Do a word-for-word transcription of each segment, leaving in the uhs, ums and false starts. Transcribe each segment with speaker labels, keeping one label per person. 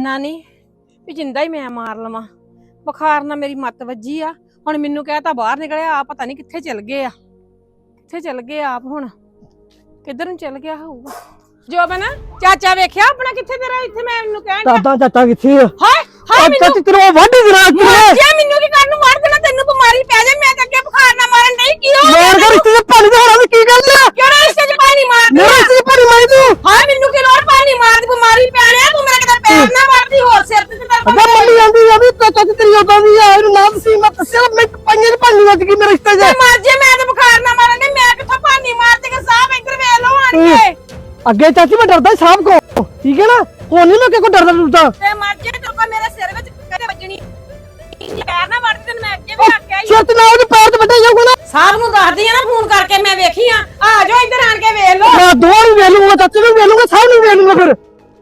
Speaker 1: ਇੰਨਾ ਨਹੀਂ ਵੀ ਜਿੰਦਾ ਹੀ ਮੈਂ ਮਾਰ ਲਵਾਂ। ਬੁਖਾਰ ਨਾਲ ਮੇਰੀ ਮੱਤ ਵੱਜੀ ਆ। ਹੁਣ ਮੈਨੂੰ ਕਹਿਤਾ ਬਾਹਰ ਨਿਕਲਿਆ ਆ, ਪਤਾ ਨਹੀਂ ਕਿੱਥੇ ਚਲ ਗਏ ਆ, ਕਿੱਥੇ ਚਲ ਗਏ ਆਪ। ਹੁਣ ਕਿੱਧਰ ਨੂੰ ਚਲ ਗਿਆ ਹੋਊਗਾ। ਜੋਬਨ ਚਾਚਾ ਵੇਖਿਆ ਆਪਣਾ ਕਿੱਥੇ ਤੇਰਾ? ਇੱਥੇ ਮੈਂ ਮੈਨੂੰ ਕਹਿਣ
Speaker 2: ਦਾਦਾ ਚਾਚਾ ਕਿੱਥੇ ਆ?
Speaker 1: ਹਾਏ ਹਾਏ ਮੈਨੂੰ
Speaker 2: ਤੇਰਾ ਵੱਢ ਦੇਣਾ
Speaker 1: ਜੇ ਮੈਨੂੰ ਕੀ ਕਰਨ ਨੂੰ ਮਾਰ ਦੇਣਾ? ਤੈਨੂੰ ਬਿਮਾਰੀ ਪੈ ਜਾਏ। ਮੈਂ ਤਾਂ ਅੱਗੇ ਬੁਖਾਰ ਨਾਲ ਮਾਰਨ ਨਹੀਂ ਕੀ ਹੋ
Speaker 2: ਮਾਰ ਕਰ ਰਿਸ਼ਤੇ ਚ ਪਾਣੀ ਦੇ ਹੋਣਾ ਕੀ ਗੱਲ ਆ?
Speaker 1: ਕਿਹੜਾ ਰਿਸ਼ਤੇ ਚ ਪਾਣੀ ਮਾਰ ਦੇ?
Speaker 2: ਮੇਰੇ ਰਿਸ਼ਤੇ ਚ ਪਾਣੀ ਮਾਰੀ ਤੂੰ?
Speaker 1: ਹਾਏ ਮੈਨੂੰ ਕੀ ਲੋੜ ਪਾਣੀ ਮਾਰ ਦੀ? ਬਿਮਾਰੀ ਪੈ ਰਿਹਾ ਤੂੰ ਮੇਰੇ ਕਿਤੇ ਪੈਰ ਨਾ ਮਾਰਦੀ ਹੋਰ ਸਿਰ ਤੇ ਤੇ
Speaker 2: ਅੱਗਾ ਮੰਡੀ ਜਾਂਦੀ ਆ ਵੀ ਚਾਚਾ ਤੇ ਤੇਰੀ ਉਦਾਂ ਦੀ ਆ। ਇਹਨੂੰ ਨਾਮ ਸੀ ਮੈਂ ਦੱਸਿਆ ਮੈਂ ਪੰਜੇ ਪਾਣੀ ਵੱਜ ਗਈ ਮੇਰੇ ਰਿਸ਼ਤੇ ਚ।
Speaker 1: ਮਰ ਜੇ ਮੈਂ ਤਾਂ ਬੁਖਾਰ ਨਾਲ ਮਾਰਨ ਨਹੀਂ। ਮੈਂ ਕਿੱਥੋਂ ਪਾਣੀ ਮਾਰਦੀ ਕਿ ਸਾਹ ਇੱਧਰ ਵੇਖ ਲਓ ਆਣ ਕੇ।
Speaker 2: ਅੱਗੇ ਚਾਚੀ ਮੈਂ ਡਰਦਾ ਸਾਹਬ ਕੋ, ਠੀਕ ਹੈ ਨਾ? ਕੋਈ ਨਹੀਂ ਮੈਂ ਕਿਹ ਕੋ ਡਰਦਾ ਡਰਦਾ।
Speaker 1: ਤੇ ਮਰ ਜੇ ਤੇਰੇ ਕੋ ਮੇਰੇ ਸਿਰ ਵਿੱਚ ਕਦੇ ਵੱਜਣੀ ਪੈਰ ਨਾ ਵੜ ਤੈਨੂੰ ਮੈਂ ਅੱਗੇ ਵੀ ਆਖਿਆ ਹੀ।
Speaker 2: ਛੇਤ ਨਾ ਉਹਦੇ ਪੈਰ ਤੇ ਵੱਡਾ ਜਾਊਗਾ ਨਾ।
Speaker 1: ਸਾਹਿਬ ਨੂੰ ਦੱਸਦੀ ਆ ਨਾ ਫੋਨ ਕਰਕੇ ਮੈਂ ਵੇਖੀ ਆ। ਆ ਜਾਓ ਇੱਧਰ ਆਣ ਕੇ ਵੇਖ ਲਓ।
Speaker 2: ਮੈਂ ਦੋ ਨੂੰ ਵੇਖ ਲੂੰਗਾ, ਚਾਚੇ ਨੂੰ ਵੇਖ ਲੂੰਗਾ, ਸਾਹਬ ਨੂੰ ਵੇਖ ਲੂੰਗਾ। ਫਿਰ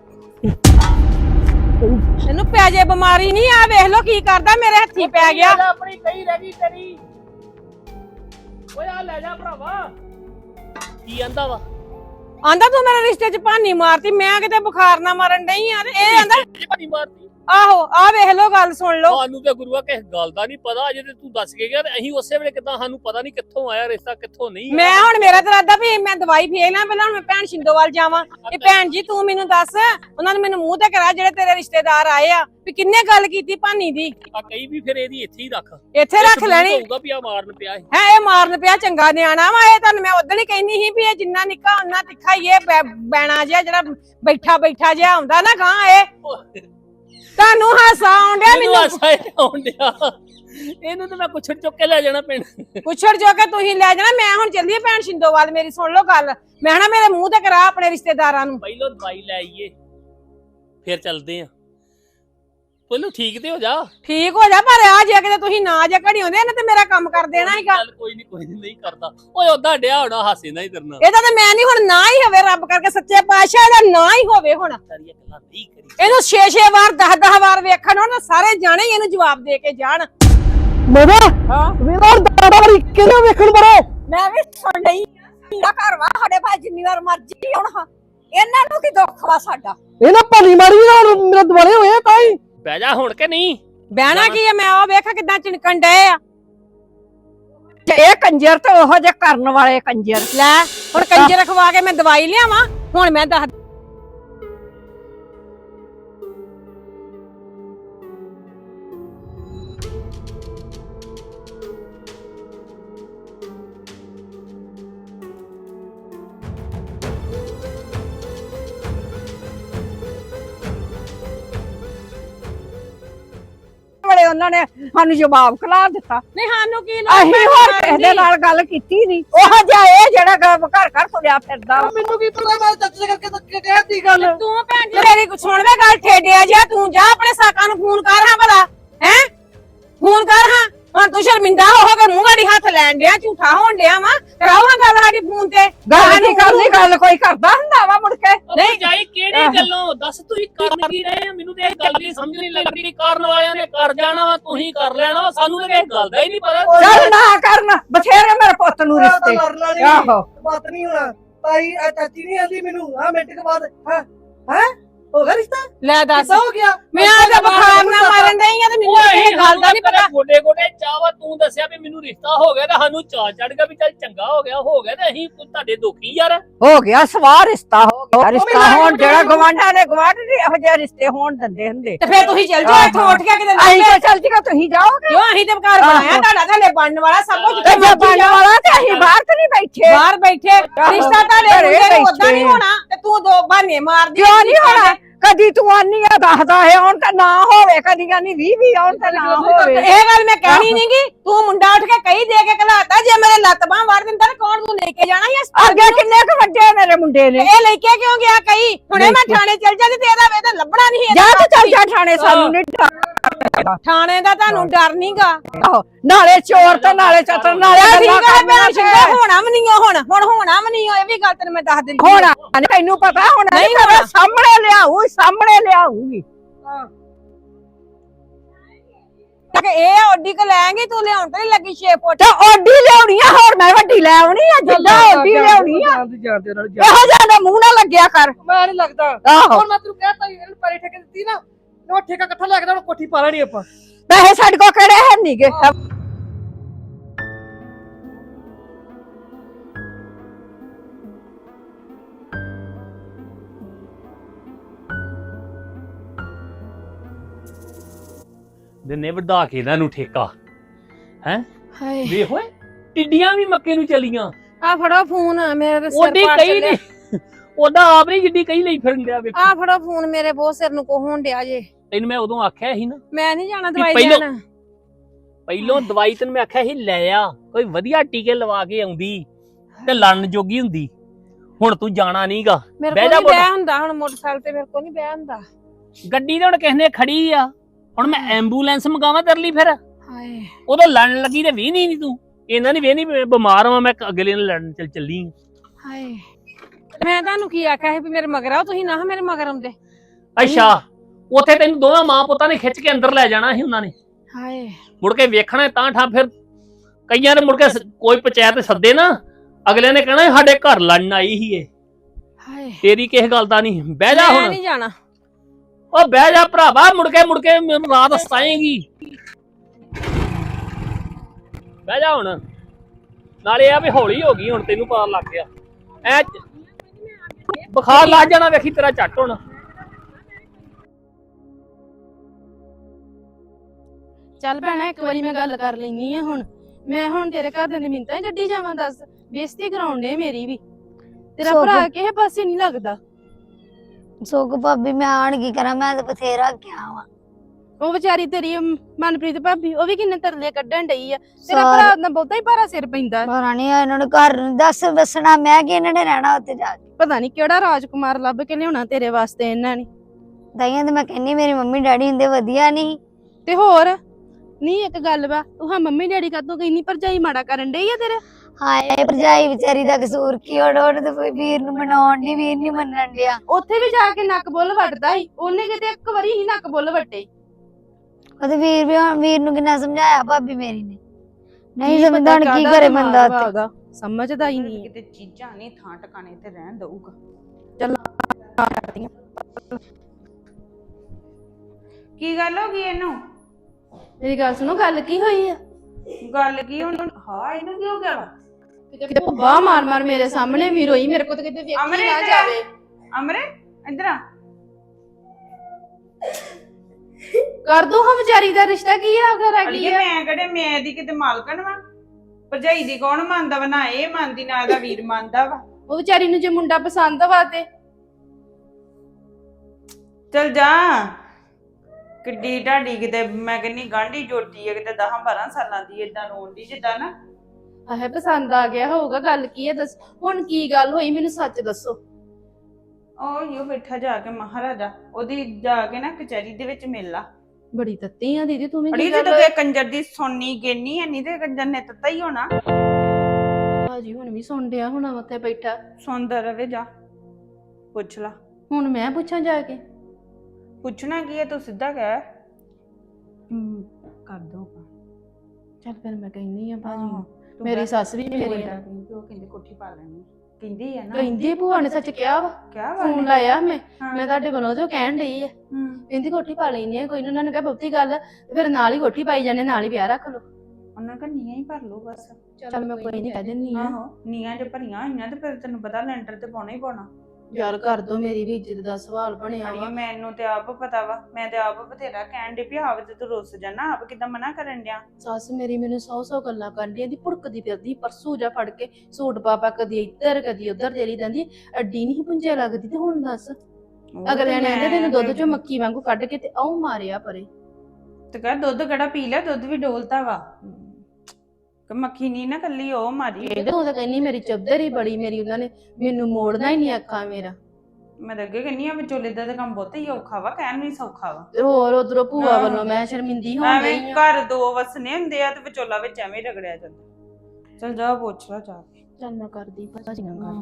Speaker 1: ਇਹਨੂੰ ਪੈ ਜੇ ਬਿਮਾਰੀ ਨਹੀਂ ਆ। ਵੇਖ ਲਓ ਕੀ ਕਰਦਾ, ਮੇਰੇ ਹੱਥੀ ਪੈ ਗਿਆ।
Speaker 3: ਆਪਣੀ ਕਹੀ ਰਹਿ ਗਈ ਤੇਰੀ। ਓਏ ਆ ਲੈ ਜਾ ਭਰਾਵਾ। ਕੀ ਆਂਦਾ ਵਾ?
Speaker 1: ਆਂਦਾ ਤੂੰ ਮੇਰੇ ਰਿਸ਼ਤੇ 'ਚ ਭਾਨੀ ਮਾਰਤੀ। ਮੈਂ ਕਿਤੇ ਬੁਖਾਰ ਨਾ ਮਾਰਨ ਡਈ ਆ ਤੇ ਇਹ ਆਂਦਾ
Speaker 3: ਭਾਨੀ ਮਾਰਤੀ।
Speaker 1: ਆਹੋ ਆ ਵੇਖ ਲਓ, ਗੱਲ ਸੁਣ ਲਓ।
Speaker 3: ਸਾਨੂੰ ਤੇ ਗੁਰੂਆ ਕਿਸ ਗੱਲ ਦਾ ਨਹੀਂ ਪਤਾ। ਅਜੇ ਤੇ ਤੂੰ ਦੱਸ ਕੇ ਗਿਆ ਤੇ ਅਸੀਂ ਉਸੇ ਵੇਲੇ ਕਿਦਾਂ ਸਾਨੂੰ ਪਤਾ ਨਹੀਂ ਕਿੱਥੋਂ ਆਇਆ ਰਿਸ਼ਤਾ ਕਿੱਥੋਂ ਨਹੀਂ।
Speaker 1: ਮੈਂ ਹੁਣ ਮੇਰਾ ਤਾਂ ਇਰਾਦਾ ਵੀ ਮੈਂ ਦਵਾਈ ਫੇਲ ਲਾਂ, ਪਹਿਲਾਂ ਹੁਣ ਮੈਂ ਭੈਣ ਸ਼ਿੰਦੋਵਾਲ ਜਾਵਾਂ। ਇਹ ਭੈਣ ਜੀ ਤੂੰ ਮੈਨੂੰ ਦੱਸ, ਉਹਨਾਂ ਨੇ ਮੈਨੂੰ ਮੂੰਹ ਤੇ ਕਰਾ ਜਿਹੜੇ ਤੇਰੇ ਰਿਸ਼ਤੇਦਾਰ ਆਏ ਆ ਵੀ ਕਿੰਨੇ ਗੱਲ ਕੀਤੀ ਭਾਨੀ ਦੀ।
Speaker 3: ਆ ਕਈ ਵੀ ਫਿਰ ਇਹਦੀ ਇੱਥੇ ਹੀ ਰੱਖ,
Speaker 1: ਇੱਥੇ ਰੱਖ ਲੈਣੀ
Speaker 3: ਹੋਊਗਾ ਵੀ ਆ ਮਾਰਨ ਪਿਆ ਹੈ।
Speaker 1: ਹੈ ਇਹ ਮਾਰਨ ਪਿਆ ਚੰਗਾ ਨਿਆਣਾ ਵਾ। ਇਹ ਤੁਹਾਨੂੰ ਮੈਂ ਉਦੋਂ ਹੀ ਕਹਿੰਦੀ ਸੀ ਵੀ ਇਹ ਜਿੰਨਾ ਨਿੱਕਾ ਉਹਨਾਂ ਤਿੱਖਾ ਹੀ ਇਹ ਬੈਣਾ ਜਿਹਾ ਜਿਹੜਾ ਬੈਠਾ ਬੈਠਾ ਜਿਹਾ ਆਉਂਦਾ ਨਾ ਗਾਂ। ਇਹ ਤੁਹਾਨੂੰ ਹਾਸਾ ਆਉਂਦਿਆ?
Speaker 3: ਮੈਨੂੰ ਹਾਸਾ ਆਉਂਦਿਆ। ਇਹਨੂੰ ਤਾਂ ਮੈਂ ਕੁਛੜ ਚੁੱਕ ਕੇ ਲੈ ਜਾਣਾ ਪਿੰਡ।
Speaker 1: ਕੁਛੜ ਜੋ ਕੇ ਤੁਸੀਂ ਲੈ ਜਾਣਾ। ਮੈਂ ਹੁਣ ਚੱਲੀਏ ਭੈਣ ਸ਼ਿੰਦੋਵਾਲ। ਮੇਰੀ ਸੁਣ ਲਓ ਗੱਲ। ਮੈਂ ਨਾ ਮੇਰੇ ਮੂੰਹ ਤੇ ਕਰਾ ਆਪਣੇ ਰਿਸ਼ਤੇਦਾਰਾਂ ਨੂੰ।
Speaker 3: ਪਹਿਲਾਂ ਦਵਾਈ ਲੈ ਆਈਏ ਫਿਰ ਚੱਲਦੇ ਆ। ਪਹਿਲਾਂ ਠੀਕ ਤੇ ਹੋ ਜਾ।
Speaker 1: ਠੀਕ ਹੋ ਜਾ, ਪਰ ਆ ਜੇ ਕਿਤੇ ਤੁਸੀਂ ਨਾ ਜੇ ਘੜੀ ਆਉਂਦੇ ਨਾ ਤੇ ਮੇਰਾ ਕੰਮ ਕਰ ਦੇਣਾ ਸੀਗਾ।
Speaker 3: ਚੱਲ ਕੋਈ ਨਹੀਂ ਕੋਈ ਨਹੀਂ ਕਰਦਾ। ਓਏ ਉਦਾਂ ਡਿਆ ਹੋਣਾ ਹਾਸੇ ਨਾਲ ਹੀ ਕਰਨਾ।
Speaker 1: ਇਹਦਾ ਤੇ ਮੈਂ ਨਹੀਂ ਹੁਣ ਨਾ ਹੀ ਹੋਵੇ, ਰੱਬ ਕਰਕੇ ਸੱਚੇ ਪਾਤਸ਼ਾਹ ਇਹਦਾ ਨਾ ਹੀ ਹੋਵੇ। ਹੁਣ
Speaker 3: ਸਾਰੀਆਂ ਗੱਲਾਂ ਨਹੀਂ ਕਰੀ।
Speaker 1: ਇਹਨੂੰ ਛੇ ਛੇ ਵਾਰ ਦਸ ਦਸ ਵਾਰ ਵੇਖਣ ਉਹਨਾਂ ਸਾਰੇ ਜਾਣੇ ਹੀ ਇਹਨੂੰ ਜਵਾਬ ਦੇ ਕੇ ਜਾਣ।
Speaker 2: ਮੋਦਾ
Speaker 1: ਹਾਂ
Speaker 2: ਮੇਰਾ ਦਾਦਾ ਵਾਰੀ ਕਿਹਨੂੰ ਵੇਖਣ ਬੜੋ?
Speaker 1: ਮੈਂ ਵੀ ਸੁਣ ਲਈ ਦਾ ਘਰ ਵਾ ਸਾਡੇ ਭਾਈ ਜਿੰਨੀ ਵਾਰ ਮਰਜੀ ਹੁਣ ਇਹਨਾਂ ਨੂੰ ਕੀ ਦੁੱਖ ਵਾ ਸਾਡਾ।
Speaker 2: ਇਹ ਨਾ ਭਾਨੀ ਮਾਰੀ ਨਾ ਮੇਰੇ ਦੁਆਲੇ ਹੋਏ ਤਾਂ ਹੀ।
Speaker 3: ਬਹਿ ਜਾ ਹੁਣ ਕਿ ਨਹੀਂ
Speaker 1: ਬਹਿਣਾ ਕੀ ਆ? ਮੈਂ ਉਹ ਵੇਖਾ ਕਿਦਾਂ ਚਿਣਕਣ ਡਏ ਆ।
Speaker 4: ਇਹ ਕੰਜਰ ਤੇ ਉਹੋ ਜਿਹੇ ਕਰਨ ਵਾਲੇ ਕੰਜਰ।
Speaker 1: ਲੈ ਹੁਣ ਕੰਜਰ ਰਖਵਾ ਕੇ ਮੈਂ ਦਵਾਈ ਲਿਆਵਾਂ। ਹੁਣ ਮੈਂ ਦੱਸ
Speaker 4: ਵਾਲੇ ਉਹਨਾਂ ਨੇ ਸਾਨੂੰ ਜਵਾਬ ਖਲਾ ਦਿੱਤਾ।
Speaker 1: ਨਹੀਂ ਸਾਨੂੰ ਕੀ
Speaker 4: ਅਸੀਂ ਹੋਰ ਕਿਸੇ ਦੇ ਨਾਲ ਗੱਲ ਕੀਤੀ ਨਹੀਂ। ਉਹੋ ਜਿਹਾ ਇਹ ਜਿਹੜਾ ਘਰ ਘਰ ਤੁਰਿਆ ਫਿਰਦਾ।
Speaker 2: ਮੈਨੂੰ ਕੀ ਪਤਾ ਮੈਂ ਚਾਚੇ ਕਰਕੇ ਕਹਿਤੀ ਗੱਲ।
Speaker 1: ਤੂੰ ਭੈਣ ਜੀ ਮੇਰੀ ਸੁਣ ਵੇ ਗੱਲ ਠੇਡਿਆ ਜਾ। ਤੂੰ ਜਾ ਆਪਣੇ ਸਾਕਾਂ ਨੂੰ ਫੋਨ ਕਰ ਹਾਂ ਭਲਾ। ਹੈ ਫੋਨ ਕਰ ਹਾਂ। ਹੁਣ ਤੂੰ ਸ਼ਰਮਿੰਦਾ ਹੋ ਕੇ ਮੂੰਹ ਗਾੜੀ ਹੱਥ ਲੈਣ ਡਿਆ, ਝੂਠਾ ਹੋਣ ਡਿਆ ਵਾ। ਕਰਾਓ ਹਾਂ ਗੱਲ ਸਾਡੀ ਫੋਨ ਤੇ।
Speaker 4: ਗੱਲ ਨਹੀਂ ਕਰਨੀ, ਗੱਲ ਕੋਈ ਕਰਦਾ ਹੁੰਦਾ ਵਾ ਮੁੜ ਕੇ।
Speaker 3: ਨਹੀਂ ਜਾਈ ਕਿਹੜੀ ਗੱਲੋਂ ਦੱਸ। ਤੁਸੀਂ ਕਰਨ ਕੀ ਰਹੇ? ਮੈਨੂੰ ਤੇ ਇਹ ਗੱਲ ਦੀ ਸਮਝ ਨਹੀਂ ਲੱਗਦੀ। ਕਰਨ ਵਾਲਿਆਂ ਨੇ ਕਰ ਜਾਣਾ ਵਾ, ਤੁਸੀਂ ਕਰ ਲੈਣਾ ਵਾ। ਸਾਨੂੰ ਤੇ ਇਹ ਗੱਲ ਦਾ ਹੀ ਨਹੀਂ ਪਤਾ।
Speaker 4: ਚੱਲ ਨਾ ਕਰਨ, ਬਥੇਰੇ ਮੇਰੇ ਪੁੱਤ ਨੂੰ ਰਿਸ਼ਤੇ। ਆਹੋ
Speaker 2: ਬਾਤ ਨਹੀਂ ਹੋਣਾ ਤਾਈ ਚਾਚੀ ਨਹੀਂ ਆਂਦੀ ਮੈਨੂੰ ਆ ਮਿੰਟ ਕੇ ਬਾਅਦ। ਹਾਂ ਹੈ ਹੋ ਗਿਆ ਰਿਸ਼ਤਾ?
Speaker 1: ਲੈ ਦੱਸ
Speaker 2: ਹੋ ਗਿਆ।
Speaker 1: ਮੈਂ ਤਾਂ ਬੁਖਾਰ ਨਾਲ ਮਰਨ ਡਈ ਆ ਤੇ ਮੈਨੂੰ ਇਹ ਗੱਲ ਦਾ ਨਹੀਂ ਪਤਾ।
Speaker 3: ਗੋਡੇ ਗੋਡੇ ਚਾਵਾ ਤੂੰ ਦੱਸਿਆ ਵੀ ਮੈਨੂੰ ਰਿਸ਼ਤਾ ਹੋ ਗਿਆ ਤੇ ਸਾਨੂੰ ਚਾਹ ਚੜ ਗਿਆ ਵੀ ਚੱਲ ਚੰਗਾ ਹੋ ਗਿਆ ਹੋ ਗਿਆ ਤੇ ਅਸੀਂ ਤੁਹਾਡੇ ਦੁਖੀ ਯਾਰ।
Speaker 4: ਹੋ ਗਿਆ ਸਵਾਰ ਰਿਸ਼ਤਾ ਹੋ ਗਿਆ। ਰਿਸ਼ਤਾ ਹੋਣ ਜਿਹੜਾ ਗਵਾਂਢਾਂ ਨੇ ਗਵਾਂਢ ਨਹੀਂ ਇਹੋ ਜਿਹੇ ਰਿਸ਼ਤੇ ਹੋਣ ਦਿੰਦੇ ਹੁੰਦੇ।
Speaker 1: ਤੇ ਫੇਰ ਤੁਸੀਂ ਚੱਲ ਜਾਓ ਇੱਥੋਂ ਉੱਠ ਕੇ ਕਿਤੇ।
Speaker 4: ਅਸੀਂ ਤਾਂ ਚੱਲ ਜੀਗਾ, ਤੁਸੀਂ ਜਾਓਗੇ।
Speaker 1: ਕਿਉਂ? ਅਸੀਂ ਤੇ ਘਰ ਬਣਾਇਆ ਤੁਹਾਡਾ, ਤੁਹਾਡੇ ਬਣਨ ਵਾਲਾ ਸਭ ਕੁਝ।
Speaker 4: ਤੇ ਜੇ ਬਣਨ ਵਾਲਾ ਤੇ ਅਸੀਂ ਬਾਹਰ ਤੇ ਨਹੀਂ ਬੈਠੇ।
Speaker 1: ਬਾਹਰ ਬੈਠੇ ਰਿਸ਼ਤਾ ਤੁਹਾਡੇ ਮੁੰਡੇ ਨੂੰ ਉਦਾਂ ਨਹੀਂ ਹੋਣਾ ਤੇ ਤੂੰ ਦੋ ਬਹਾਨੇ ਮਾਰਦੀ।
Speaker 4: ਕਿਉਂ ਨਹੀਂ ਹੋਣਾ? ਕਦੀ ਤੂੰ ਆਨੀ ਆ ਦੱਸਦਾ ਹੈ ਹੁਣ ਤਾਂ ਨਾ ਹੋਵੇ, ਕਦੀ ਆਨੀ ਵੀਹ ਵੀਹ ਆਉਣ ਤਾਂ ਨਾ ਹੋਵੇ।
Speaker 1: ਇਹ ਗੱਲ ਮੈਂ ਕਹਿਣੀ ਨਹੀਂਗੀ। ਤੂੰ ਮੁੰਡਾ ਉੱਠ ਕੇ ਕਹੀ ਦੇ ਕੇ ਘਲਾਤਾ। ਜੇ ਮੇਰੇ ਲੱਤ ਬਾਹ ਵੜ ਦਿੰਦਾ ਤਾਂ ਕੌਣ ਤੂੰ ਲੈ ਕੇ ਜਾਣਾ?
Speaker 4: ਅੱਗੇ ਕਿੰਨੇ ਕੁ ਵੱਡੇ ਮੇਰੇ ਮੁੰਡੇ ਨੇ।
Speaker 1: ਇਹ ਲੈ ਕੇ ਕਿਉਂ ਗਿਆ? ਕਹੀ ਹੁਣੇ ਮੈਂ ਥਾਣੇ ਚੱਲ ਜਾਂਦੀ ਤੇ ਇਹਦਾ ਇਹਦਾ ਲੱਭਣਾ ਨਹੀਂ।
Speaker 4: ਜਾ ਤੂੰ ਚੱਲ ਜਾ ਥਾਣੇ, ਸਾਨੂੰ ਨਹੀਂ ਡਰ।
Speaker 1: ਥਾਣੇ ਦਾ ਤੁਹਾਨੂੰ ਡਰ ਨਹੀਂਗਾ।
Speaker 4: ਆਹੋ ਨਾਲੇ ਚੋਰ ਤੇ ਨਾਲੇ ਚਤਰ ਨਾਲੇ ਗੱਲਾਂ ਕਰਨੀਆਂ।
Speaker 1: ਹੋਣਾ ਵੀ ਨਹੀਂ ਹੁਣ ਹੁਣ ਹੋਣਾ ਵੀ ਨਹੀਂ। ਇਹ ਵੀ ਗੱਲ ਤੈਨੂੰ ਮੈਂ ਦੱਸ ਦਿੰਦੀ।
Speaker 4: ਹੋਣਾ ਤੈਨੂੰ ਪਤਾ ਹੋਣਾ ਨਹੀਂ ਹੋਣਾ। ਸਾਹਮਣੇ ਲਿਆਊ, ਸਾਹਮਣੇ ਲਿਆਊਗੀ।
Speaker 1: ਕਿ ਇਹ ਓਡੀ ਕ ਲੈਣਗੇ ਤੂੰ ਲਿਆਉਣ ਤੇ ਨਹੀਂ ਲੱਗੀ ਛੇ ਫੁੱਟ।
Speaker 4: ਤੇ ਓਡੀ ਲਿਆਉਣੀ ਆ, ਹੋਰ ਮੈਂ ਵੱਡੀ ਲੈ ਆਉਣੀ ਆ। ਜਿੱਦਾਂ ਓਡੀ ਲਿਆਉਣੀ ਆ
Speaker 2: ਜਾਣਦੇ ਨਾਲ
Speaker 4: ਇਹੋ ਜਿਹਾ ਦਾ ਮੂੰਹ ਨਾ ਲੱਗਿਆ ਕਰ।
Speaker 2: ਮੈਂ ਨਹੀਂ ਲੱਗਦਾ।
Speaker 4: ਆਹੋ
Speaker 2: ਹੁਣ ਮੈਂ ਤੈਨੂੰ ਕਹਿਤਾ ਇਹਨਾਂ ਨੂੰ ਪਰੇ ਠੇਕੇ ਦਿੱਤੀ ਨਾ, ਉਹ ਠੇਕਾ ਇਕੱਠਾ ਲੈ ਕੇ ਤਾਂ ਕੋਠੀ ਪਾ ਲੈਣੀ ਆਪਾਂ।
Speaker 4: ਪੈਸੇ ਸਾਡੇ ਕੋਲ ਕਿਹੜੇ ਹੈ ਨਹੀਂਗੇ।
Speaker 3: ਦਿਨੇ ਵਧਾ ਕੇ ਇਹਨਾਂ ਨੂੰ ਠੇਕਾ ਹੈ।
Speaker 1: ਹਾਏ
Speaker 3: ਵੇਖ ਓਏ ਟਿੱਡੀਆਂ ਵੀ ਮੱਕੇ ਨੂੰ ਚਲੀਆਂ।
Speaker 1: ਆ ਫੜੋ ਫੋਨ ਮੇਰੇ ਤੇ ਸਿਰ
Speaker 3: ਉਹਦੀ
Speaker 1: ਪਾੜ
Speaker 3: ਕਈ
Speaker 1: ਚੱਲਿਆ।
Speaker 3: ਨਹੀਂ ਉਹਦਾ ਆਪ ਨਹੀਂ ਜਿੱਡੀ ਕਈ ਲਈ ਫਿਰਨ ਡਿਆ ਵੇਖ।
Speaker 1: ਆ ਫੜੋ ਫੋਨ ਮੇਰੇ ਬਹੁਤ ਸਿਰ ਨੂੰ ਕੋ ਹੋਣ ਡਿਆ ਜੇ।
Speaker 3: ਤੈਨੂੰ ਮੈਂ ਉਦੋਂ ਆਖਿਆ ਸੀ ਨਾ
Speaker 1: ਮੈਂ ਨਹੀਂ ਜਾਣਾ
Speaker 3: ਵੀ
Speaker 1: ਦਵਾਈ
Speaker 3: ਪਹਿਲੋਂ-
Speaker 1: ਲੈਣ।
Speaker 3: ਪਹਿਲੋਂ ਦਵਾਈ ਤੈਨੂੰ ਮੈਂ ਆਖਿਆ ਸੀ ਲੈ ਆ, ਕੋਈ ਵਧੀਆ ਟੀਕੇ ਲਵਾ ਕੇ ਆਉਂਦੀ ਤੇ ਲੜਨ ਜੋਗੀ ਹੁੰਦੀ। ਹੁਣ ਤੂੰ ਜਾਣਾ ਨਹੀਂਗਾ।
Speaker 1: ਮੇਰੇ
Speaker 3: ਬਹਿ
Speaker 1: ਕੋਲ
Speaker 3: ਜਾ
Speaker 1: ਨਹੀਂ
Speaker 3: ਪੁੱਤ।
Speaker 1: ਬਹਿ ਹੁੰਦਾ ਹੁਣ ਮੋਟਰਸਾਈਕਲ ਤੇ ਮੇਰੇ ਕੋਲ ਨਹੀਂ ਬਹਿ ਹੁੰਦਾ।
Speaker 3: ਗੱਡੀ ਤੇ ਹੁਣ ਕਿਸ ਨੇ ਖੜੀ ਆ। ਹੁਣ ਮੈਂ ਐਂਬੂਲੈਂਸ ਮੰਗਾਵਾਂ ਤੇਰੇ ਲਈ ਫਿਰ।
Speaker 1: ਹਾਏ
Speaker 3: ਉਦੋਂ ਲੜਨ ਲੱਗੀ ਤੇ ਵੀ ਨਹੀਂ ਤੂੰ ਇਹਨਾਂ ਨਹੀਂ ਵੇਹਨੀ ਬਿਮਾਰ ਹਾਂ ਮੈਂ ਅਗਲੇ ਨਾਲ ਲੜਨ ਚੱਲ ਚੱਲੀ।
Speaker 1: ਹਾਏ ਮੈਂ ਤੁਹਾਨੂੰ ਕੀ ਆਖਿਆ ਸੀ ਵੀ ਮੇਰੇ ਮਗਰ ਆਓ, ਤੁਸੀਂ ਨਾ ਮੇਰੇ ਮਗਰ ਆਉਂਦੇ।
Speaker 3: ਅੱਛਾ ਉੱਥੇ ਤੈਨੂੰ ਦੋਵਾਂ ਮਾਂ ਪੁੱਤਾਂ ਨੇ ਖਿੱਚ ਕੇ ਅੰਦਰ ਲੈ ਜਾਣਾ ਸੀ ਉਹਨਾਂ ਨੇ।
Speaker 1: ਹਾਏ
Speaker 3: ਮੁੜ ਕੇ ਵੇਖਣਾ ਤਾਂ ਠਾ ਫਿਰ ਕਈਆਂ ਨੇ ਮੁੜ ਕੇ ਸ- ਕੋਈ ਪੰਚਾਇਤ ਸੱਦੇ ਨਾ, ਅਗਲੇ ਨੇ ਕਹਿਣਾ ਸਾਡੇ ਘਰ ਲੜਨ ਆਈ ਸੀ ਇਹ।
Speaker 1: ਹਾਏ
Speaker 3: ਤੇਰੀ ਕਿਸ ਗੱਲ ਦਾ ਨਹੀਂ। ਬਹਿ ਜਾ
Speaker 1: ਮੈਂ
Speaker 3: ਹੁਣ।
Speaker 1: ਨਹੀਂ ਜਾਣਾ।
Speaker 3: ਉਹ ਬਹਿ ਜਾ ਭਰਾਵਾ, ਮੁੜ ਕੇ ਮੁੜ ਕੇ ਮੈਨੂੰ ਰਾਤ ਸਤਾਏਗੀ। ਬਹਿ ਜਾ ਹੁਣ। ਨਾਲੇ ਇਹ ਆ ਵੀ ਹੌਲੀ ਹੋ ਗਈ ਹੁਣ, ਤੈਨੂੰ ਪਤਾ ਲੱਗ ਗਿਆ ਐ ਬੁਖਾਰ ਲੱਗ ਜਾਣਾ ਵੇਖੀ ਤੇਰਾ ਝੱਟ ਹੁਣ।
Speaker 5: ਚੱਲ ਭੈਣਾ ਇੱਕ ਵਾਰੀ ਮੈਂ ਗੱਲ ਕਰ ਲੈਣੀ ਆ। ਹੁਣ ਮੈਂ ਹੁਣ ਤੇਰੇ ਘਰ ਦੇ ਮਿੰਤਾਂ ਹੀ ਕੱਢੀ ਜਾਵਾਂ? ਦੱਸ ਬੇਇੱਜ਼ਤੀ ਕਰਾਉਣੇ ਮੇਰੀ ਵੀ। ਤੇਰਾ
Speaker 6: ਸੁੱਖ।
Speaker 5: ਭਰਾ ਕਿਸੇ ਪਾਸੇ ਨਹੀਂ ਲੱਗਦਾ।
Speaker 6: ਸੁੱਖ ਭਾਬੀ ਮੈਂ ਆਣ ਕੀ ਕਰਾਂ, ਮੈਂ ਤਾਂ ਬਥੇਰਾ ਗਿਆ ਵਾਂ।
Speaker 5: ਉਹ ਵਿਚਾਰੀ ਤੇਰੀ ਅਮ, ਮਨਪ੍ਰੀਤ ਭਾਬੀ ਉਹ ਵੀ ਕਿੰਨੇ ਤਰਲੇ ਕੱਢਣ ਡਈ ਆ। ਤੇਰਾ
Speaker 6: ਸਾਰ-
Speaker 5: ਭਰਾ ਦਾ ਬਹੁਤਾ ਹੀ ਭਾਰਾ ਸਿਰ ਪੈਂਦਾ।
Speaker 6: ਪਤਾ ਨੀ ਇਹਨਾਂ ਨੂੰ ਘਰ ਦੱਸ ਵਸਣਾ, ਮੈਂ ਕਿ ਇਹਨਾਂ ਨੇ ਰਹਿਣਾ ਉੱਥੇ ਜਾ ਕੇ।
Speaker 5: ਪਤਾ ਨਹੀਂ ਕਿਹੜਾ ਰਾਜਕੁਮਾਰ ਲੱਭ ਕੇ ਲਿਆਉਣਾ ਤੇਰੇ ਵਾਸਤੇ ਇਹਨਾਂ ਨੇ।
Speaker 6: ਤਾਈਆਂ ਤੇ ਮੈਂ ਕਹਿੰਨੀ ਮੇਰੀ ਮੰਮੀ ਡੈਡੀ ਹੁੰਦੇ ਵਧੀਆ ਨਹੀਂ।
Speaker 5: ਤੇ ਹੋਰ ਨਹੀਂ ਇੱਕ ਗੱਲ ਵਾ, ਤੂੰ ਹਾਂ ਮੰਮੀ ਡੈਡੀ ਕਾਤੋਂ ਕਹਿੰਦੀ ਭਰਜਾਈ ਮਾੜਾ ਕਰਨ ਡਈ ਆ ਤੇਰੇ।
Speaker 6: ਹਾਏ ਭਰਜਾਈ ਵਿਚਾਰੀ ਦਾ ਕਸੂਰ ਕੀ? ਉਹਨੇ ਉਹਨੇ ਤੇ ਕੋਈ ਵੀਰ ਨੂੰ ਮਨਾਉਣ ਦੀ, ਵੀਰ ਨਹੀਂ ਮੰਨਣ ਡਿਆ।
Speaker 5: ਉੱਥੇ ਵੀ ਜਾ ਕੇ ਨੱਕ ਬੁੱਲ ਵੱਟਦਾ ਸੀ ਉਹਨੇ, ਕਿਤੇ ਇੱਕ ਵਾਰੀ ਹੀ ਨੱਕ ਬੁੱਲ ਵੱਟੇ।
Speaker 6: ਉਹਦੇ ਵੀਰ ਵੀ ਹੁਣ ਵੀਰ ਨੂੰ ਕਿੰਨਾ ਸਮਝਾਇਆ ਭਾਬੀ ਮੇਰੀ ਨੇ, ਨਹੀਂ
Speaker 5: ਕੀ
Speaker 6: ਸਮਝਦਾ ਹੁਣ
Speaker 5: ਪਤਾ
Speaker 6: ਕੀ
Speaker 5: ਕਾਹਦਾ
Speaker 6: ਕਰੇ
Speaker 5: ਦਿਮਾਗ
Speaker 6: ਬੰਦਾ
Speaker 5: ਵਾ
Speaker 6: ਉੱਥੇ।
Speaker 5: ਉਹਦਾ, ਸਮਝਦਾ ਹੀ ਨਹੀਂ।
Speaker 7: ਕਿਤੇ ਚੀਜ਼ਾਂ ਨਹੀਂ ਥਾਂ ਟਿਕਾਣੇ ਤੇ ਰਹਿਣ ਦਊਗਾ। ਕੀ ਗੱਲ ਹੋ ਗਈ ਇਹਨੂੰ?
Speaker 5: ਮੇਰੀ ਗੱਲ ਸੁਣੋ, ਗੱਲ ਕੀ ਹੋਈ ਆ?
Speaker 7: ਗੱਲ ਕੀ ਹੁਣ? ਹਾਂ ਇਹਨੂੰ ਕੀ ਹੋ ਗਿਆ ਵਾ?
Speaker 5: ਕਿਤੇ ਭੁੱਬਾ ਮਾਰ ਮਾਰ ਮੇਰੇ ਸਾਹਮਣੇ ਵੀ ਰੋਈ। ਮੇਰੇ ਕੋਲ ਤਾਂ ਕਿਤੇ ਵੇਖੀ
Speaker 7: ਅਮਰੇ
Speaker 5: ਨਾ
Speaker 7: ਇੱਧਰ ਆ।
Speaker 5: ਜਾਵੇ।
Speaker 7: ਅਮਰੇ ਇੱਧਰ ਆ।
Speaker 5: ਕਰ ਦੋ ਹਾਂ ਵਿਚਾਰੀ ਦਾ ਰਿਸ਼ਤਾ, ਕੀ ਆ ਘਰ ਆ ਗਈ
Speaker 7: ਅੜੀਏ
Speaker 5: ਆ।
Speaker 7: ਮੈਂ ਕਿਹੜੇ ਮੈਂ ਦੀ ਕਿਤੇ ਮਾਲਕਣ ਵਾ? ਭਰਜਾਈ ਦੀ ਕੌਣ ਮੰਨਦਾ ਵਾ? ਨਾ ਇਹ ਮੰਨਦੀ ਨਾ ਇਹਦਾ ਵੀਰ ਮੰਨਦਾ ਵਾ।
Speaker 5: ਉਹ ਵਿਚਾਰੀ ਨੂੰ ਜੇ ਮੁੰਡਾ ਪਸੰਦ ਵਾ ਤੇ
Speaker 7: ਚਲ ਜਾ। ਕਿੱਡੀ ਢਾਡੀ ਕਿਤੇ ਮੈਂ ਕਹਿੰਨੀ ਗਾਂਢੀ ਜੋਟੀ ਹੈ ਕਿਤੇ ਦਸ ਬਾਰਾਂ ਸਾਲਾਂ ਦੀ, ਏਦਾਂ ਰੋਣ ਦੀ ਜਿੱਦਾਂ ਨਾ।
Speaker 5: ਆਹੇ ਪਸੰਦ ਆ ਗਿਆ ਹੋਊਗਾ। ਗੱਲ ਕੀ ਹੈ ਦੱਸ ਹੁਣ, ਕੀ ਗੱਲ ਹੋਈ ਮੈਨੂੰ ਸੱਚ ਦੱਸੋ।
Speaker 7: ਉਹ ਯੋ ਬੈਠਾ ਜਾ ਕੇ ਮਹਾਰਾਜਾ, ਉਹਦੀ ਜਾ ਕੇ ਨਾ ਕਚਹਿਰੀ ਦੇ ਵਿੱਚ ਮਿਲ ਲਾ।
Speaker 5: ਬੜੀ ਤੱਤੀ ਆ ਦੀਦੀ ਤੂੰ ਵੀ।
Speaker 7: ਅੜੀ ਜਦੋਂ ਤੇ ਕੰਜਰ ਦੀ ਸੋਨੀ ਗੇਨੀ ਹੈ ਨਹੀਂ ਤੇ ਕੰਜਰ ਨੇ ਤੱਤਾ ਹੀ ਹੋਣਾ।
Speaker 5: ਭਾਜੀ ਹੁਣ ਵੀ ਸੁਣ ਡਿਆ ਹੁਣ ਉੱਥੇ ਬੈਠਾ।
Speaker 7: ਸੁਣਦਾ ਰਵੇ, ਜਾ ਪੁੱਛ ਲਾ।
Speaker 5: ਹੁਣ ਮੈਂ ਪੁੱਛਾਂ ਜਾ ਕੇ?
Speaker 7: ਪੁੱਛਣਾ ਕੀ ਹੈ, ਤੂੰ ਸਿੱਧਾ ਕਹਿ। ਹੂੰ ਕਰ ਦੋ।
Speaker 5: ਚੱਲ ਫਿਰ ਮੈਂ ਕਹਿੰਦੀ ਆ ਭਾਜੀ ਨੂੰ।
Speaker 7: ਤੂੰ
Speaker 5: ਮੇਰੀ
Speaker 7: ਕਹਿ-
Speaker 5: ਸੱਸ ਵੀ
Speaker 7: ਤੂੰ
Speaker 5: ਮੇਰੀ
Speaker 7: ਏਦਾਂ
Speaker 5: ਆ।
Speaker 7: ਕਹਿੰਦੀ, ਉਹ ਕਹਿੰਦੀ ਕੋਠੀ ਪਾ ਲੈਣੀ ਕਹਿੰਦੀ ਹੈ ਨਾ।
Speaker 5: ਕਹਿੰਦੀ ਭੂਆ ਨੇ ਸੱਚ ਕਿਹਾ ਵਾ।
Speaker 7: ਕਿਆ ਵਾ
Speaker 5: ਫੋਨ
Speaker 7: ਉਹਨੇ?
Speaker 5: ਲਾਇਆ ਮੈਂ
Speaker 7: ਹਾਂ।
Speaker 5: ਮੈਂ ਤੁਹਾਡੇ ਕੋਲੋਂ ਤੇ ਉਹ ਕਹਿਣ ਡਈ ਆ।
Speaker 7: ਹੂੰ
Speaker 5: ਕਹਿੰਦੀ ਕੋਠੀ ਪਾ ਲੈਣੀ ਆ ਕੋਈ ਨਾ। ਉਹਨਾਂ ਨੇ ਕਿਹਾ ਬਹੁਤੀ ਗੱਲ ਆ, ਤੇ ਫਿਰ ਨਾਲ ਹੀ ਕੋਠੀ ਪਾਈ ਜਾਂਦੇ, ਨਾਲ ਹੀ ਵਿਆਹ ਰੱਖ ਲਓ।
Speaker 7: ਉਹਨਾਂ ਕਾ ਨੀਆਂ ਹੀ ਭਰ ਲਓ ਬਸ।
Speaker 5: ਚੱਲ ਮੈਂ ਕੋਈ ਨਹੀਂ ਕਹਿ ਦਿੰਨੀ ਆ।
Speaker 7: ਆਹੋ ਨੀਆਂ ਜੇ ਭਰੀਆਂ ਹੋਈਆਂ ਤੇ ਫਿਰ ਤੈਨੂੰ ਪਤਾ ਲੈਂਟਰ ਤੇ ਪਾਉਣਾ ਹੀ ਪਾਉਣਾ।
Speaker 5: ਯਾਰ ਕਰ ਦੋ, ਮੇਰੀ ਵੀ ਇੱਜ਼ਤ ਦਾ ਸਵਾਲ ਬਣਿਆ
Speaker 7: ਅੜੀਏ
Speaker 5: ਵਾ।
Speaker 7: ਮੈਨੂੰ ਤੇ ਆਪ ਪਤਾ ਵਾ, ਮੈਂ ਤੇ ਆਪ ਬਥੇਰਾ ਕਹਿਣ ਡਈ ਵੀ ਆਪ ਤੇ ਤੂੰ ਰੁੱਸ ਜਾਣਾ, ਆਪ ਕਿਦਾਂ ਮਨਾ ਕਰਨ ਡਿਆ।
Speaker 5: ਸੱਸ ਮੇਰੀ ਮੈਨੂੰ ਸੌ ਸੌ ਗੱਲਾਂ ਕਰਦੀ ਦੀ, ਭੁੜਕਦੀ ਫਿਰਦੀ ਪਰਸੂ ਜਾ ਫੜ ਕੇ ਸੂਟ ਪਾਪਾ, ਕਦੀ ਇੱਧਰ ਕਦੀ ਉੱਧਰ ਦੇਰੀ ਦਿੰਦੀ। ਅੱਡੀ ਨਹੀਂ ਪੁੰਜੇ ਲੱਗਦੀ। ਤੇ ਹੁਣ ਦੱਸ ਅਗਲੇ ਨੇ ਇਹਦੇ ਤੈਨੂੰ ਦੁੱਧ ਚੋਂ ਮੱਕੀ ਵਾਂਗੂ ਕੱਢ ਕੇ ਤੇ ਆਉ ਮਾਰਿਆ ਪਰੇ।
Speaker 7: ਤੇ ਕਹ ਦੁੱਧ ਕਿਹੜਾ ਪੀ ਲਿਆ, ਦੁੱਧ ਵੀ ਡੋਲਤਾ ਵਾ। ਕਿ ਮੱਖੀ ਨਹੀਂ ਨਾ ਕੱਲੀ ਉਹ ਮਾਰੀ।
Speaker 5: ਇਹਦੇ ਤੋਂ ਤਾਂ ਕਹਿੰਦੀ ਮੇਰੀ ਚਬਦਰ ਹੀ ਬੜੀ, ਮੇਰੀ ਉਹਨਾਂ ਨੇ ਮੈਨੂੰ ਮੋੜਨਾ ਹੀ ਨਹੀਂ ਅੱਖਾਂ ਮੇਰਾ।
Speaker 7: ਮੈਂ ਤਾਂ ਅੱਗੇ ਕਹਿੰਨੀ ਆ ਵਿਚੋਲੇ ਦਾ ਤਾਂ ਕੰਮ ਬਹੁਤ ਹੀ ਔਖਾ ਵਾ, ਕਹਿਣ ਵੀ ਸੌਖਾ ਵਾ।
Speaker 5: ਤੇ ਹੋਰ ਉਧਰੋਂ ਭੂਆ
Speaker 7: ਆਹੋ।
Speaker 5: ਵੱਲੋਂ ਮੈਂ ਸ਼ਰਮਿੰਦੀ ਹੋ
Speaker 7: ਐਵੇਂ
Speaker 5: ਗਈ ਆ।
Speaker 7: ਘਰ ਦੋ ਵਸਨੇ ਹੁੰਦੇ ਆ ਤੇ ਵਿਚੋਲਾ ਵਿੱਚ ਐਵੇਂ ਰਗੜਿਆ ਜਾਂਦਾ। ਚਲ ਜਾ ਪੁੱਛ ਲਾ ਜਾ ਕੇ।
Speaker 5: ਚੱਲ ਮੈਂ ਕਰਦੀ ਭਾਜੀ ਨਾਲ ਗੱਲ।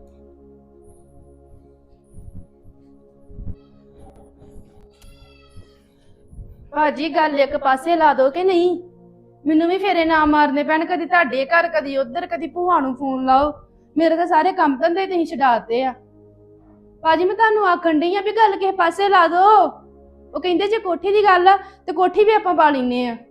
Speaker 5: ਭਾਜੀ ਗੱਲ ਇੱਕ ਪਾਸੇ ਲਾ ਦੋ ਕਿ ਨਹੀਂ? ਮੈਨੂੰ ਵੀ ਫੇਰੇ ਨਾ ਮਾਰਨੇ ਪੈਣ, ਕਦੀ ਤੁਹਾਡੇ ਘਰ ਕਦੀ ਉਧਰ ਕਦੀ ਭੂਆ ਨੂੰ ਫੋਨ ਲਾਓ। ਮੇਰੇ ਤਾਂ ਸਾਰੇ ਕੰਮ ਧੰਦੇ ਤੁਸੀਂ ਛਡਾਤੇ ਆ। ਭਾਜੀ ਮੈਂ ਤੁਹਾਨੂੰ ਆਖਣ ਡਈ ਆ ਵੀ ਗੱਲ ਕਿਸੇ ਪਾਸੇ ਲਾ ਦੋ। ਉਹ ਕਹਿੰਦੇ ਜੇ ਕੋਠੀ ਦੀ ਗੱਲ ਆ ਤੇ ਕੋਠੀ ਵੀ ਆਪਾਂ ਪਾ ਲੈਨੇ ਆ।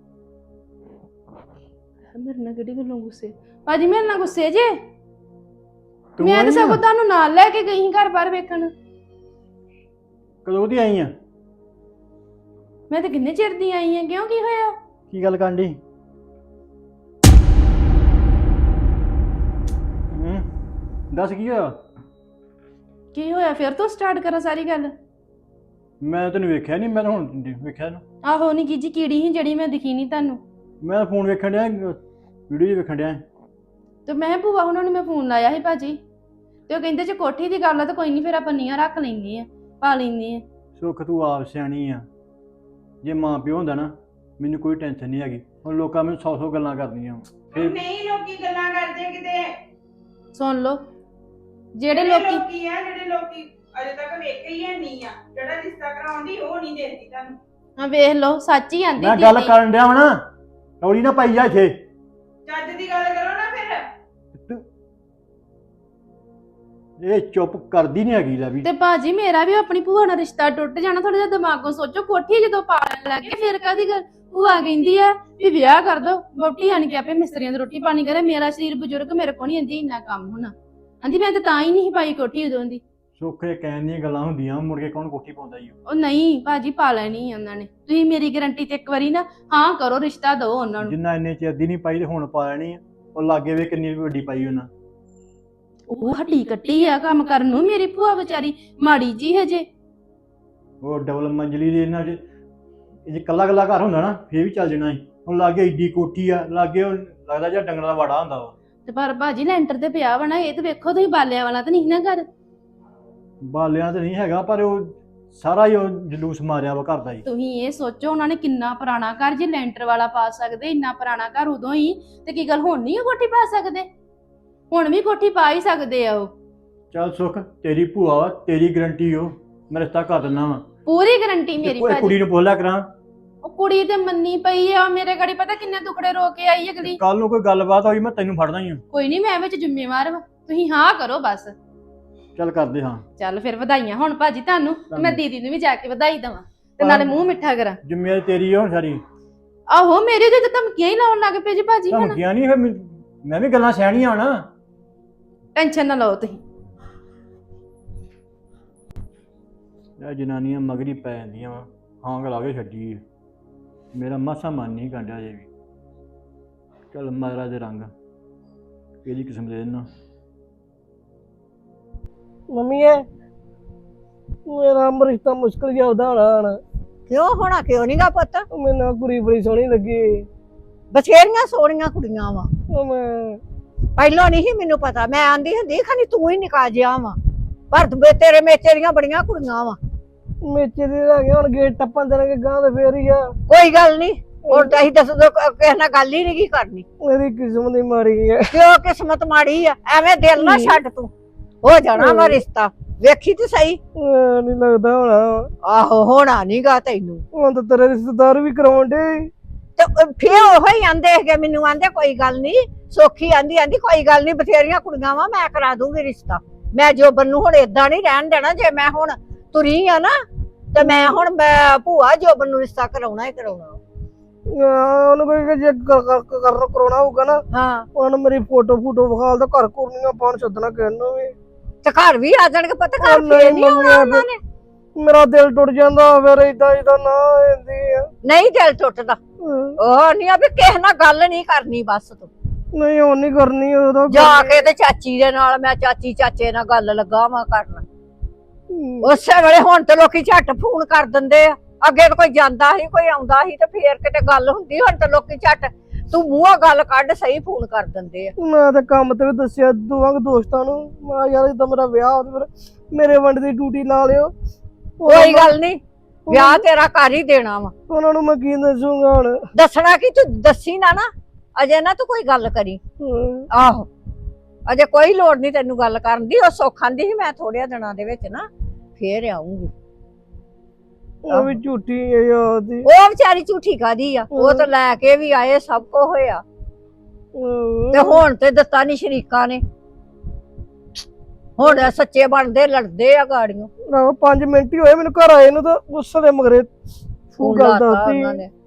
Speaker 5: ਮੇਰੇ ਨਾਲ ਕਿਹੜੀ ਗੱਲੋਂ ਗੁੱਸੇ ਭਾਜੀ, ਮੇਰੇ ਨਾਲ ਗੁੱਸੇ ਜੇ?
Speaker 8: ਤੂੰ
Speaker 5: ਮੈਂ ਤਾਂ
Speaker 8: ਆਈ
Speaker 5: ਸਗੋਂ
Speaker 8: ਆਂ?
Speaker 5: ਤੁਹਾਨੂੰ ਨਾਲ ਲੈ ਕੇ ਗਈ ਸੀ ਘਰ ਬਾਹਰ ਵੇਖਣ।
Speaker 8: ਕਦੋਂ ਦੀ ਆਈ ਆ?
Speaker 5: ਮੈਂ ਤਾਂ ਕਿੰਨੇ ਚਿਰ ਦੀ ਆਈ ਆ। ਕਿਉਂ, ਕੀ ਹੋਇਆ?
Speaker 8: ਕੀ ਗੱਲ ਕਰਨ ਡਈ? ਹੂੰ ਦੱਸ ਕੀ ਹੋਇਆ?
Speaker 5: ਕੀ ਹੋਇਆ ਫਿਰ ਤੋਂ ਸਟਾਰਟ ਕਰਾਂ ਸਾਰੀ ਗੱਲ?
Speaker 8: ਮੈਂ ਤੈਨੂੰ ਵੇਖਿਆ ਨਹੀਂ, ਮੈਂ ਤਾਂ ਹੁਣ ਵੇਖਿਆ ਨਾ।
Speaker 5: ਆਹੋ ਨੀ ਕੀ ਜੀ ਕੀੜੀ ਸੀ ਜਿਹੜੀ ਮੈਂ ਦਿਖੀ ਨਹੀਂ ਤੁਹਾਨੂੰ।
Speaker 8: ਮੈਂ ਫੋਨ ਵੇਖਣ ਡਿਆ, ਵੀਡੀਓ ਵੇਖਣ ਡਿਆ।
Speaker 5: ਤੇ ਮੈਂ ਭੂਆ ਉਹਨਾਂ ਨੂੰ ਮੈਂ ਫੋਨ ਲਾਇਆ ਸੀ ਭਾਜੀ, ਤੇ ਉਹ ਕਹਿੰਦੇ ਜੇ ਕੋਠੀ ਦੀ ਗੱਲ ਆ ਤਾਂ ਕੋਈ ਨਹੀਂ, ਫਿਰ ਆਪਾਂ ਨੀਆਂ ਰੱਖ ਲੈਂਦੇ ਆ, ਪਾ ਲੈਂਦੇ ਆ।
Speaker 8: ਸੁੱਖ ਤੂੰ ਆਪ ਸਿਆਣੀ ਆ। ਜੇ ਮਾਂ ਪਿਓ ਹੁੰਦਾ ਨਾ ਮੈਨੂੰ ਕੋਈ ਟੈਨਸ਼ਨ ਨਹੀਂ ਹੈਗੀ। ਹੁਣ ਲੋਕਾਂ ਮੈਨੂੰ ਸੌ ਸੌ ਗੱਲਾਂ ਕਰਦੀਆਂ ਫਿਰ।
Speaker 7: ਨਹੀਂ ਲੋਕੀ ਗੱਲਾਂ ਕਰਦੇ ਕਿਤੇ।
Speaker 5: ਸੁਣ ਲਓ, ਜਿਹੜੇ
Speaker 7: ਜਿਹੜੇ
Speaker 5: ਲੋਕੀ
Speaker 7: ਲੋਕੀ ਆ ਜਿਹੜੇ ਲੋਕੀ ਅਜੇ ਤੱਕ ਵੇਖੇ ਹੀ ਨਹੀਂ ਆ, ਜਿਹੜਾ ਰਿਸ਼ਤਾ ਕਰਾਉਂਦੀ ਉਹ ਨਹੀਂ ਦੇਖਦੀ ਤੁਹਾਨੂੰ।
Speaker 5: ਹਾਂ ਵੇਖ ਲਓ, ਸੱਚ ਹੀ ਆਂਦੀ
Speaker 8: ਮੈਂ ਗੱਲ ਕਰਨ ਡਿਆ ਵਾ ਨਾ, ਰੌਲੀ ਨਾ ਪਾਈ ਜਾ ਇੱਥੇ।
Speaker 7: ਚੱਜ ਦੀ ਗੱਲ ਕਰੋ ਨਾ ਫਿਰ।
Speaker 8: ਇਹ ਚੁੱਪ ਕਰਦੀ ਨਹੀਂ ਹੈਗੀ ਲੈ ਵੀ।
Speaker 5: ਤੇ ਭਾਜੀ ਮੇਰਾ ਵੀ ਆਪਣੀ ਭੂਆ ਨਾਲ ਰਿਸ਼ਤਾ ਟੁੱਟ ਜਾਣਾ, ਥੋੜਾ ਜਿਹਾ ਦਿਮਾਗੋਂ ਸੋਚੋ। ਕੋਠੀ ਜਦੋਂ ਪਾਣ ਲੱਗੇ ਫਿਰ ਕਾਦੀ ਗੱਲ? ਭੂਆ ਕਹਿੰਦੀ ਆ ਵੀ ਵਿਆਹ ਕਰ ਦੋ, ਵੋਟੀ ਆਣ ਕੇ ਆਪੇ ਮਿਸਤਰੀਆਂ ਦੀ ਰੋਟੀ ਪਾਣੀ ਕਰੇ। ਮੇਰਾ ਸਰੀਰ ਬਜ਼ੁਰਗ, ਮੇਰੇ ਕੋਲ ਨਹੀਂ ਆਂਦੀ ਇੰਨਾ ਕੰਮ ਹੋਣਾ। ਆਂਦੀ ਮੈਂ ਤਾਂ ਤਾਂ ਹੀ ਨਹੀਂ ਪਾਈ ਕੋਠੀ ਉਦੋਂ ਦੀ।
Speaker 8: ਸੁੱਖ ਇਹ ਕਹਿਣ ਦੀਆਂ ਗੱਲਾਂ ਹੁੰਦੀਆਂ, ਮੁੜ ਕੇ ਕੌਣ ਕੋਠੀ ਪਾਉਂਦਾ ਈ।
Speaker 5: ਉਹ ਨਹੀਂ ਭਾਜੀ, ਪਾ ਲੈਣੀ ਆ ਉਹਨਾਂ ਨੇ। ਤੁਸੀਂ ਮੇਰੀ ਗਾਰੰਟੀ ਤੇ ਇੱਕ ਵਾਰੀ ਨਾ ਹਾਂ ਕਰੋ, ਰਿਸ਼ਤਾ ਦਿਓ ਉਹਨਾਂ ਨੂੰ।
Speaker 8: ਜਿੰਨਾ ਇੰਨੇ ਚਿਰ ਦੀ ਨਹੀਂ ਪਾਈ ਤੇ ਹੁਣ ਪਾ ਲੈਣੀ ਆ। ਉਹ ਲਾਗੇ ਵੇ ਕਿੰਨੀ ਵੱਡੀ ਪਾਈ ਉਹਨਾਂ।
Speaker 5: ਉਹ ਹੱਡੀ ਕੱਟੀ ਆ ਕੰਮ ਕਰਨ ਨੂੰ। ਮੇਰੀ ਭੂਆ ਵਿਚਾਰੀ ਮਾੜੀ ਜੀ ਹਜੇ।
Speaker 8: ਉਹ ਡਬਲ ਮੰਜ਼ਲੀ ਦੇ ਇਹਨਾਂ ਚ ਜੇ ਕੱਲਾ ਕੱਲਾ ਘਰ ਹੁੰਦਾ ਨਾ ਫੇਰ ਵੀ ਚੱਲ ਜਾਣਾ ਸੀ। ਹੁਣ ਲਾਗੇ ਏਡੀ ਕੋਠੀ ਆ, ਲਾਗੇ ਉਹ ਲੱਗਦਾ ਜਿਹਾ ਡੰਗਰਾਂ ਦਾ ਵਾੜਾ ਹੁੰਦਾ ਵਾ।
Speaker 5: ਤੇ ਪਰ ਭਾਜੀ ਲੈਂਟਰ ਤੇ ਪਿਆ ਵਾ ਨਾ, ਇਹ ਤੇ ਵੇਖੋ ਤੁਸੀਂ, ਬਾਲਿਆਂ ਵਾਲਾ ਤਾਂ ਨਹੀਂ ਨਾ ਘਰ।
Speaker 8: ਬਾਲਿਆਂ ਤੇ ਨਹੀਂ ਹੈਗਾ, ਪਰ ਉਹ ਸਾਰਾ ਹੀ ਉਹ ਜਲੂਸ ਮਾਰਿਆ ਵਾ ਘਰ ਦਾ ਹੀ।
Speaker 5: ਤੁਸੀਂ ਇਹ ਸੋਚੋ ਉਹਨਾਂ ਨੇ ਕਿੰਨਾ ਪੁਰਾਣਾ ਘਰ, ਜੇ ਲੈਂਟਰ ਵਾਲਾ ਪਾ ਸਕਦੇ ਇੰਨਾ ਪੁਰਾਣਾ ਘਰ ਉਦੋਂ ਹੀ, ਤੇ ਕੀ ਗੱਲ ਹੁਣ ਨਹੀਂ ਉਹ ਕੋਠੀ ਪਾ ਸਕਦੇ? ਹੁਣ ਵੀ ਕੋਠੀ ਪਾ ਹੀ ਸਕਦੇ ਆ ਉਹ।
Speaker 8: ਚੱਲ ਸੁੱਖ, ਤੇਰੀ ਭੂਆ ਵਾ, ਤੇਰੀ ਗਰੰਟੀ ਉਹ, ਮੈਂ ਰਿਸ਼ਤਾ ਕਰ ਦਿੰਦਾ ਵਾ।
Speaker 5: ਪੂਰੀ ਗਾਰੰਟੀ ਮੇਰੀ
Speaker 8: ਕੋਈ
Speaker 5: ਭਾਜੀ।
Speaker 8: ਕੁੜੀ ਨੂੰ ਬੋਲਿਆ ਕਰਾਂ।
Speaker 5: ਉਹ ਕੁੜੀ ਤੇ ਮੰਨੀ ਪਈ ਆ ਮੇਰੇ ਗਾੜੀ, ਪਤਾ ਕਿੰਨੇ ਦੁਖੜੇ ਰੋ ਕੇ ਆਈ ਅਗਲੀ।
Speaker 8: ਕੱਲ ਨੂੰ ਕੋਈ ਗੱਲਬਾਤ ਹੋਈ ਮੈਂ ਤੈਨੂੰ ਫੜਦਾ ਹੀ ਆ।
Speaker 5: ਕੋਈ ਨਹੀਂ, ਮੈਂ ਵਿੱਚ ਜ਼ਿੰਮੇਵਾਰ ਵਾ, ਤੁਸੀਂ ਹਾਂ ਕਰੋ ਬਸ।
Speaker 8: ਚੱਲ ਕਰਦੇ ਹਾਂ।
Speaker 5: ਚੱਲ ਫਿਰ ਵਧਾਈਆਂ ਹੁਣ ਭਾਜੀ ਤੁਹਾਨੂੰ, ਤੇ ਮੈਂ ਦੀਦੀ ਨੂੰ ਵੀ ਜਾ ਕੇ ਵਧਾਈ ਦਵਾਂ ਤੇ ਨਾਲੇ ਮੂੰਹ ਮਿੱਠਾ ਕਰਾਂ।
Speaker 8: ਜ਼ਿੰਮੇਵਾਰੀ ਤੇਰੀ ਆ ਹੁਣ ਸਾਰੀ।
Speaker 5: ਆਹੋ ਮੇਰੇ ਤੇ ਧਮਕੀਆਂ ਹੀ ਲਾਉਣ ਲੱਗ ਪਏ ਜੀ ਭਾਜੀ ਹੁਣ।
Speaker 8: ਧਮਕੀਆਂ ਨਹੀਂ, ਫਿਰ ਮੈਂ- ਮੈਂ ਵੀ ਗੱਲਾਂ ਸਿਆਣੀਆਂ ਹੋਣਾ।
Speaker 5: ਟੈਨਸ਼ਨ ਨਾ ਲਓ ਤੁਸੀਂ।
Speaker 8: ਇਹ ਜਨਾਨੀਆਂ ਮਗਰੀ ਪੈ ਜਾਂਦੀਆਂ ਵਾ, ਹਾਂ ਲਾ ਕੇ ਛੱਡੀ ਆ। ਮੇਰਾ ਮਾਸਾ ਮਨ ਨਹੀਂ ਕਾਂਡਿਆ ਜੇ ਵੀ। ਚੱਲ ਮਹਾਰਾਜ ਦੇ ਰੰਗ ਕਿਹੜੀ ਕਿਸਮ ਦੇ ਨਾ।
Speaker 2: ਮੰਮੀ ਇਹ ਮੇਰਾ ਰਿਸ਼ਤਾ ਮੁਸ਼ਕਲ ਜਿਹਾ ਉਹਦਾ ਹੋਣਾ ਹੁਣ।
Speaker 4: ਕਿਉਂ ਹੋਣਾ? ਕਿਉਂ ਨਹੀਂਗਾ ਪੁੱਤ?
Speaker 2: ਮੈਨੂੰ ਕੁੜੀ ਬੜੀ ਸੋਹਣੀ ਲੱਗੀ।
Speaker 4: ਬਥੇਰੀਆਂ ਸੋਹਣੀਆਂ ਕੁੜੀਆਂ ਵਾ।
Speaker 2: ਉਹ ਮੈਂ
Speaker 4: ਪਹਿਲਾਂ ਨਹੀਂ ਸੀ ਮੈਨੂੰ ਪਤਾ, ਮੈਂ ਆਂਦੀ ਹੁੰਦੀ ਖਾਨੀ ਤੂੰ ਹੀ ਨਿਕਾ ਜਿਆ ਵਾ, ਪਰ ਤੂੰ- ਤੇਰੇ ਮੇਚੇ ਦੀਆਂ ਬੜੀਆਂ ਕੁੜੀਆਂ ਵਾ।
Speaker 2: ਮੇਚੇ ਦੇ ਲੱਗੇ ਹੁਣ ਗੇਟ ਟੱਪਣ ਦੇਣਗੇ ਗਾਂ ਤੇ ਫੇਰ ਹੀ ਆ।
Speaker 4: ਕੋਈ ਗੱਲ ਨਹੀਂ, ਹੁਣ ਤਾਂ ਅਸੀਂ ਦੱਸ ਦੋ ਕਿਸੇ ਨਾਲ ਗੱਲ ਹੀ ਨਹੀਂ ਕਰਨੀ।
Speaker 2: ਮੇਰੀ ਕਿਸਮਤ ਹੀ ਮਾੜੀ ਹੈ।
Speaker 4: ਕਿਉਂ ਕਿਸਮਤ ਮਾੜੀ ਆ? ਐਵੇਂ ਦਿਲ ਨਾ ਛੱਡ ਤੂੰ, ਹੋ ਜਾਣਾ ਵਾ ਰਿਸ਼ਤਾ, ਵੇਖੀ ਤੇ ਸਹੀ।
Speaker 2: ਨਹੀਂ ਲੱਗਦਾ ਹੋਣਾ।
Speaker 4: ਆਹੋ ਹੋਣਾ ਨਹੀਂਗਾ ਤੈਨੂੰ।
Speaker 2: ਹੁਣ ਤਾਂ ਤੇਰੇ ਰਿਸ਼ਤੇਦਾਰ ਵੀ ਕਰਾਉਣ ਡੇ।
Speaker 4: ਤੇ ਫੇਰ ਉਹ ਹੀ ਆਂਦੇ ਹੈਗੇ ਮੈਨੂੰ, ਆਂਦੇ ਕੋਈ ਗੱਲ ਨਹੀਂ। ਸੋਖੀ ਆਂਦੀ ਆਂਦੀ ਕੋਈ ਗੱਲ ਨਹੀਂ, ਬਥੇਰੀਆਂ ਕੁੜੀਆਂ ਵਾ, ਮੈਂ ਕਰਾ ਦੂੰਗੀ ਰਿਸ਼ਤਾ। ਮੈਂ ਜੋਬਨ ਨੂੰ ਹੁਣ ਏਦਾਂ ਨਹੀਂ ਰਹਿਣ ਦੇਣਾ। ਜੇ ਮੈਂ ਹੁਣ ਤੁਰੀ ਆ ਨਾ ਤੇ ਮੈਂ ਹੁਣ ਮੈਂ ਭੂਆ ਜੋਬਨ ਨੂੰ ਰਿਸ਼ਤਾ ਕਰਾਉਣਾ ਹੀ ਕਰਾਉਣਾ।
Speaker 2: ਉਹਨੂੰ ਕੋਈ ਜੇ ਕਰਨਾ ਕਰਾਉਣਾ ਹੋਊਗਾ ਨਾ,
Speaker 4: ਹਾਂ
Speaker 2: ਉਹਨਾਂ ਨੂੰ ਮੇਰੀ ਫੋਟੋ ਫੋਟੋ ਵਿਖਾਲ ਤੇ ਘਰ ਘੁਰਨੀਆਂ ਪਾਉਣ ਸੱਦਣਾ ਕਹਿਣਾ ਵੀ।
Speaker 4: ਤੇ ਘਰ ਵੀ ਆ ਜਾਣਗੇ ਪਤਾ, ਘਰ
Speaker 2: ਉਹ
Speaker 4: ਫੇਰ
Speaker 2: ਨਹੀਂ
Speaker 4: ਨਹੀਂ ਆਉਣਾ ਉਹਨਾਂ ਨੇ।
Speaker 2: ਮੇਰਾ ਦਿਲ ਟੁੱਟ ਜਾਂਦਾ ਫਿਰ ਏਦਾਂ ਏਦਾਂ ਨਾ ਹੁੰਦੀ ਆ।
Speaker 4: ਨਹੀਂ ਦਿਲ ਟੁੱਟਦਾ। ਉਹ ਨਹੀਂ ਆ ਵੀ ਕਿਸੇ ਨਾਲ ਗੱਲ ਨਹੀਂ ਕਰਨੀ ਬਸ ਤੂੰ।
Speaker 2: ਨਹੀਂ ਉਹ ਨਹੀਂ ਕਰਨੀ ਉਹਦਾ।
Speaker 4: ਜਾ ਕੇ ਤੇ ਚਾਚੀ ਦੇ ਨਾਲ, ਮੈਂ ਚਾਚੀ ਚਾਚੇ ਨਾਲ ਗੱਲ ਲੱਗਾ ਵਾਂ ਕਰਨ। ਉਸੇ ਵੇਲੇ ਹੁਣ ਤੇ ਲੋਕੀ ਝੱਟ ਫੋਨ ਕਰ ਦਿੰਦੇ ਆ। ਅੱਗੇ ਤਾਂ ਕੋਈ ਜਾਂਦਾ ਸੀ, ਕੋਈ ਆਉਂਦਾ ਸੀ ਤੇ ਫੇਰ ਕਿਤੇ ਗੱਲ ਹੁੰਦੀ। ਹੁਣ ਤੇ ਲੋਕੀ ਝੱਟ ਤੂੰ ਮੂੰਹੋਂ ਗੱਲ ਕੱਢ ਸਹੀ ਫੋਨ ਕਰ ਦਿੰਦੇ ਆ।
Speaker 2: ਮੈਂ ਤੇ ਕੰਮ ਤੇ ਵੀ ਦੱਸਿਆ ਦੋਵਾਂ ਦੋਸਤਾਂ ਨੂੰ, ਮੈਂ ਯਾਰ ਇਦਾਂ ਮੇਰਾ ਵਿਆਹ ਹੋ ਤੇ ਫਿਰ ਮੇਰੇ ਵੰਡ ਦੀ ਡਿਊਟੀ ਲਾ ਲਿਓ।
Speaker 4: ਕੋਈ ਗੱਲ ਨਹੀਂ, ਵਿਆਹ ਤੇਰਾ ਕਰ ਹੀ ਦੇਣਾ ਵਾ।
Speaker 2: ਉਹਨਾਂ ਨੂੰ ਮੈਂ ਕੀ ਦੱਸੂਗਾ ਹੁਣ?
Speaker 4: ਦੱਸਣਾ ਕਿ ਤੂੰ ਦੱਸੀ ਨਾ ਨਾ ਅਜੇ ਨਾ ਤੂੰ ਕੋਈ ਗੱਲ ਕਰੀ। ਆਹੋ ਅਜੇ ਕੋਈ ਲੋੜ ਨਹੀਂ ਤੈਨੂੰ ਗੱਲ ਕਰਨ ਦੀ। ਉਹ ਸੁੱਖ ਆਂਦੀ ਸੀ ਮੈਂ ਥੋੜਿਆਂ ਦਿਨਾਂ ਦੇ ਵਿੱਚ ਨਾ ਫੇਰ ਆਉਂਗੀ।
Speaker 2: ਉਹ ਵੀ ਝੂਠੀ ਹੈ ਯਾਰ ਦੀ।
Speaker 4: ਉਹ ਵਿਚਾਰੀ ਝੂਠੀ ਕਾਦੀ ਆ? ਉਹ ਤਾਂ ਲੈ ਕੇ ਵੀ ਆਏ, ਸਭ ਕੁਝ ਹੋਇਆ ਤੇ ਹੁਣ ਤੇ ਦਿੱਤਾ ਨੀ ਸ਼ਰੀਕਾਂ ਨੇ। ਹੁਣ ਸੱਚੇ ਬਣਦੇ ਲੜਦੇ ਆ ਗਾੜੀਆਂ।
Speaker 2: ਨਾ ਪੰਜ ਮਿੰਟ ਹੀ ਹੋਏ ਮੈਨੂੰ ਘਰ ਆਏ ਨੂੰ ਤਾਂ ਗੁੱਸੇ ਦੇ ਮਗਰੇ
Speaker 4: ਫੋਨ
Speaker 2: ਗੱਲ
Speaker 4: ਲਾਤਾ
Speaker 2: ਦੱਸਤੀ
Speaker 4: ਉਹਨਾਂ ਨੇ।